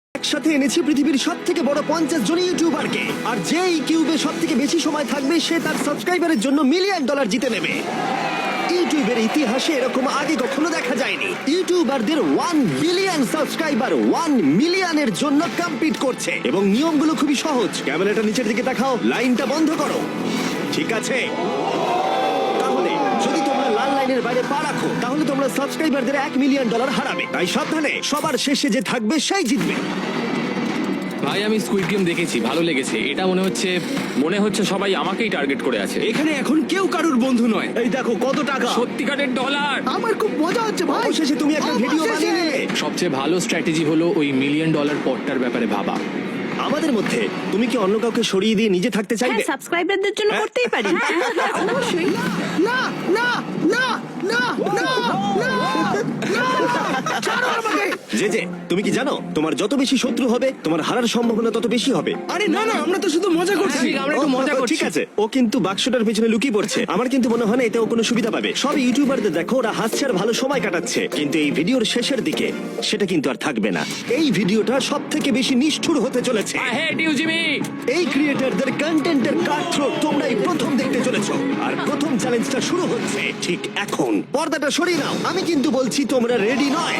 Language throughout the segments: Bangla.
একসাথে এনেছি পৃথিবীর সবথেকে বড় 50 জন ইউটিউবারকে, আর যে এই কিউবে সবথেকে বেশি সময় থাকবে সে তার সাবস্ক্রাইবারের জন্য $1 মিলিয়ন জিতে নেবে। ইউটিউবের ইতিহাসে এরকম আগে কখনো দেখা যায়নি। ইউটিউবারদের 1 বিলিয়ন সাবস্ক্রাইবার 1 মিলিয়নের জন্য কম্পিট করছে, এবং নিয়মগুলো খুবই সহজ। ক্যামেরাটা নিচের দিকে দেখাও, লাইনটা বন্ধ করো। ঠিক আছে, তাহলে যদি তোমরা লাল লাইনের বাইরে পা রাখো তাহলে তোমরা সাবস্ক্রাইবারদের $1 মিলিয়ন হারাবে। তাই সাবধানে, সবার শেষে যে থাকবে সেই জিতবে। ভাই আমি স্কুইড গেম দেখেছি, ভালো লেগেছে। এটা মনে হচ্ছে সবাই আমাকেই টার্গেট করে আছে। এখানে এখন কেউ কারুর বন্ধু নয়। এই দেখো কত টাকা, সত্যিকারের ডলার। আমার খুব মজা হচ্ছে ভাই। অবশেষে তুমি একটা ভিডিও অবশেষে। বানিয়ে নিলে। সবচেয়ে ভালো স্ট্র্যাটেজি হলো ওই $1 মিলিয়ন পটটার ব্যাপারে ভাবা। আমাদের মধ্যে তুমি কি অন্য কাউকে সরিয়ে দিয়ে নিজে থাকতে চাইবে? হ্যাঁ, সাবস্ক্রাইবারদের জন্য করতেই পারি। অবশ্যই। না না না না না না না, ছাড়ো আমাকে। যে তুমি কি জানো তোমার যত বেশি শত্রু হবে তোমার হারার সম্ভাবনা তত বেশি হবে? আরে না না, আমরা তো শুধু মজা করছি। আমরা একটু মজা ও, করছি। ঠিক আছে, ও কিন্তু বাক্সটার পেছনে লুকিয়ে পড়ছে। আমার কিন্তু মনে হয় না এতেও কোনো সুবিধা পাবে। সব ইউটিউবারদের দেখো ওরা হাসছে আর ভালো সময় কাটাচ্ছে, কিন্তু এই ভিডিওর শেষের দিকে সেটা কিন্তু আর থাকবে না। এই ভিডিওটা সব থেকে বেশি নিষ্ঠুর হতে চলেছে। I hate you Jimmy. এই ক্রিয়েটরদের কন্টেন্টের কাটথ্রোট তোমরাই প্রথম দেখতে চলেছো, আর প্রথম চ্যালেঞ্জটা শুরু হচ্ছে ঠিক এখন। পর্দাটা সরিয়ে নাও, আমি কিন্তু বলছি তোমরা রেডি নয়।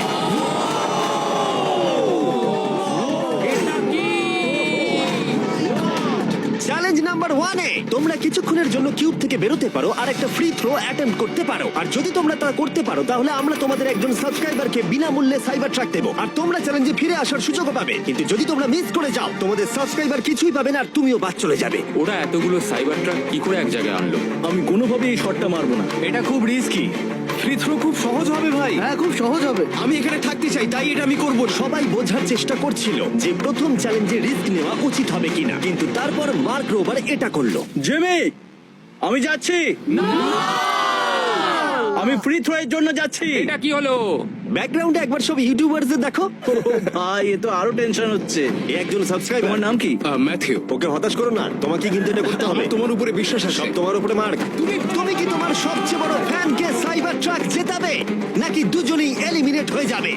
চ্যালেঞ্জ নাম্বার 1 এ তোমরা কিছুক্ষণের জন্য কিউব থেকে বেরোতে পারো আর একটা ফ্রি থ্রো অ্যাটেম্প্ট করতে পারো। আর যদি তোমরা তা করতে পারো তাহলে আমরা তোমাদের একজন সাবস্ক্রাইবারকে বিনামূল্যে সাইবার ট্রাক দেবো, আর তোমরা চ্যালেঞ্জে ফিরে আসার সুযোগও পাবে। কিন্তু যদি তোমরা মিস করে যাও তোমাদের সাবস্ক্রাইবার কিছুই পাবে না আর তুমিও বাদ চলে যাবে। ওরা এতগুলো সাইবার ট্রাক কি করে এক জায়গায় আনলো? আমি কোনোভাবেই এই শটটা মারবো না। এটা খুব রিস্কি। ফ্রি থ্রো খুব সহজ হবে ভাই। হ্যাঁ, খুব সহজ হবে। আমি এখানে থাকতে চাই, তাই এটা আমি করব। সবাই বোঝার চেষ্টা করছিল যে প্রথম চ্যালেঞ্জে রিস্ক নেওয়া উচিত হবে কিনা, কিন্তু তারপর মার্ক রোবার এটা করলো। জেমি, আমি যাচ্ছি। আমি ফ্রি থ্রো এর জন্য যাচ্ছি। এটা কি হলো? ব্যাকগ্রাউন্ডে একবার সব ইউটিউবারদের দেখো। ভাই এ তো আরো টেনশন হচ্ছে। এ একজন সাবস্ক্রাইবার। তোমার নাম কি? ম্যাথিউ। ওকে হতাশ করো না, তোমাকে কিন্তু এটা করতে হবে। তোমার উপরে বিশ্বাস আছে। সব তোমার উপরে মার্ক। তুমি কি তোমার সবচেয়ে বড় ফ্যানকে সাইবার ট্রাক জেতাবে, নাকি দুজনেই এলিমিনেট হয়ে যাবে?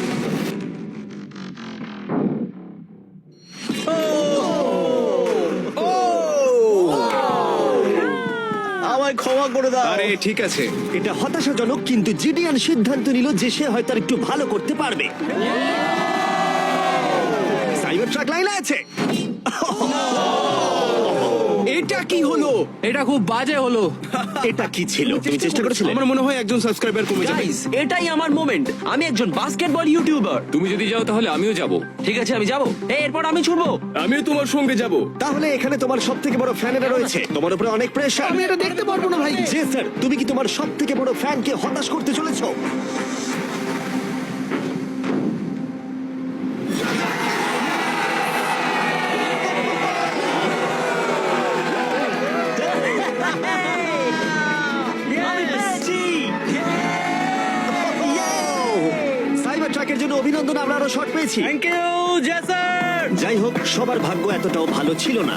আমায় ক্ষমা করে দাও। আরে ঠিক আছে। এটা হতাশাজনক, কিন্তু জিডিয়ান সিদ্ধান্ত নিল যে সে হয়তো আর একটু ভালো করতে পারবে। সাইবার ট্রাক লাইনে আছে। এটা কি হলো? এটা খুব বাজে হলো। এটা কি ছিল? তুমি চেষ্টা করেছিলে? আমার মনে হয় একজন সাবস্ক্রাইবার কমে যাবে। গাইস, এটাই আমার মোমেন্ট। আমি একজন বাস্কেটবল ইউটিউবার। তুমি যদি যাও তাহলে আমিও যাব। ঠিক আছে, আমি যাব। এরপর আমি ছুটবো। আমিও তোমার সঙ্গে যাব। তাহলে এখানে তোমার সব থেকে বড় ফ্যানেরা রয়েছে, তোমার উপরে অনেক প্রেশার। আমি এটা দেখতে পারবো না ভাই। জি স্যার, তুমি কি তোমার সব থেকে বড় ফ্যানকে হতাশ করতে চলেছো? সাইবার ট্রাকের জন্য অভিনন্দন, আমরা আরো শট পেয়েছি। থ্যাংক ইউ জেসার। যাই হোক, সবার ভাগ্য এতটাও ভালো ছিল না।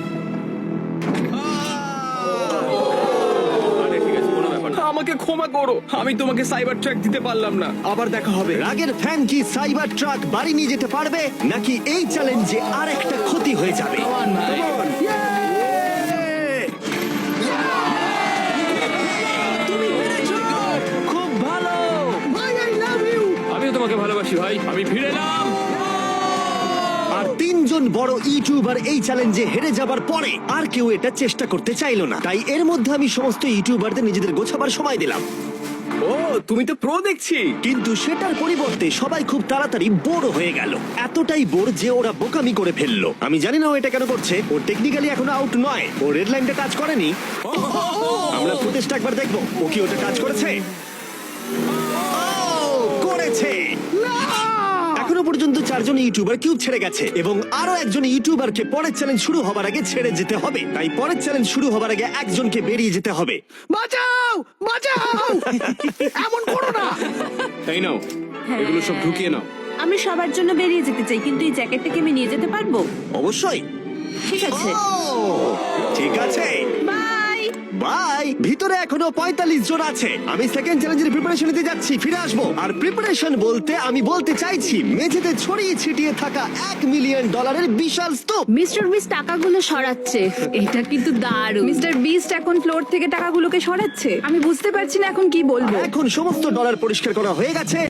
আরে ঠিক আছে, কোনো ব্যাপার না। আমাকে ক্ষমা করো, আমি তোমাকে সাইবার ট্র্যাক দিতে পারলাম না। আবার দেখা হবে। রাগের ফ্যান কি সাইবার ট্রাক বাড়ি নিয়ে যেতে পারবে, নাকি এই চ্যালেঞ্জে আর একটা ক্ষতি হয়ে যাবে? তুমি পেরেছো। খুব ভালো। ভাই, I love you. আমিও তোমাকে ভালোবাসি ভাই। আমি ফিরে এলাম। আর 3 জন বড় ইউটিউবার এই চ্যালেঞ্জে হেরে যাবার পরে আর কেউ এটা চেষ্টা করতে চাইলো না। তাই এর মধ্যে আমি সমস্ত ইউটিউবারদের নিজেদের গোছাবার সময় দিলাম। ও, তুমি তো প্রো দেখছি। কিন্তু সেটার পরিবর্তে সবাই খুব তাড়াতাড়ি বোর হয়ে গেল। এতটাই বোর যে ওরা বোকামি করে ফেললো। আমি জানি না ও এটা কেন করছে। ও টেকনিক্যালি এখনো আউট নয়, ও রেড লাইনটা টাচ করেনি। আমরা ফুটেজটা একবার দেখবো, ও কি ওটা টাচ করেছে? ও, করেছে। এখনো পর্যন্ত 4 জন ইউটিউবার কিউব ছেড়ে গেছে, এবং আরো একজন ইউটিউবারকে পরের চ্যালেঞ্জ শুরু হবার আগে ছেড়ে যেতে হবে। তাই পরের চ্যালেঞ্জ শুরু হবার আগে একজনকে বেরিয়ে যেতে হবে। বাঁচাও, বাঁচাও। এমন করো না। তাই নাও, এগুলো সব ঢুকিয়ে নাও। আমি সবার জন্য বেরিয়ে যেতে চাই, কিন্তু এই জ্যাকেটটাকে আমি নিয়ে যেতে পারবো? অবশ্যই। ঠিক আছে, ও, ঠিক আছে। বাই। বাই। ভিতরে এখনো 45 জন আছে। আমি সেকেন্ড চ্যালেঞ্জের প্রিপারেশন নিতে যাচ্ছি, ফিরে আসবো। আর প্রিপারেশন বলতে আমি বলতে চাইছি মেঝেতে ছড়িয়ে ছিটিয়ে থাকা $1 মিলিয়ন বিশাল স্তূপ। মিস্টার বিস্ট টাকাগুলো সরাচ্ছে, এটা কিন্তু দারুণ। মিস্টার বিস্ট এখন ফ্লোর থেকে টাকাগুলোকে সরাচ্ছে, আমি বুঝতে পারছি না এখন কি বলবো। এখন সমস্ত ডলার পরিষ্কার করা হয়ে গেছে।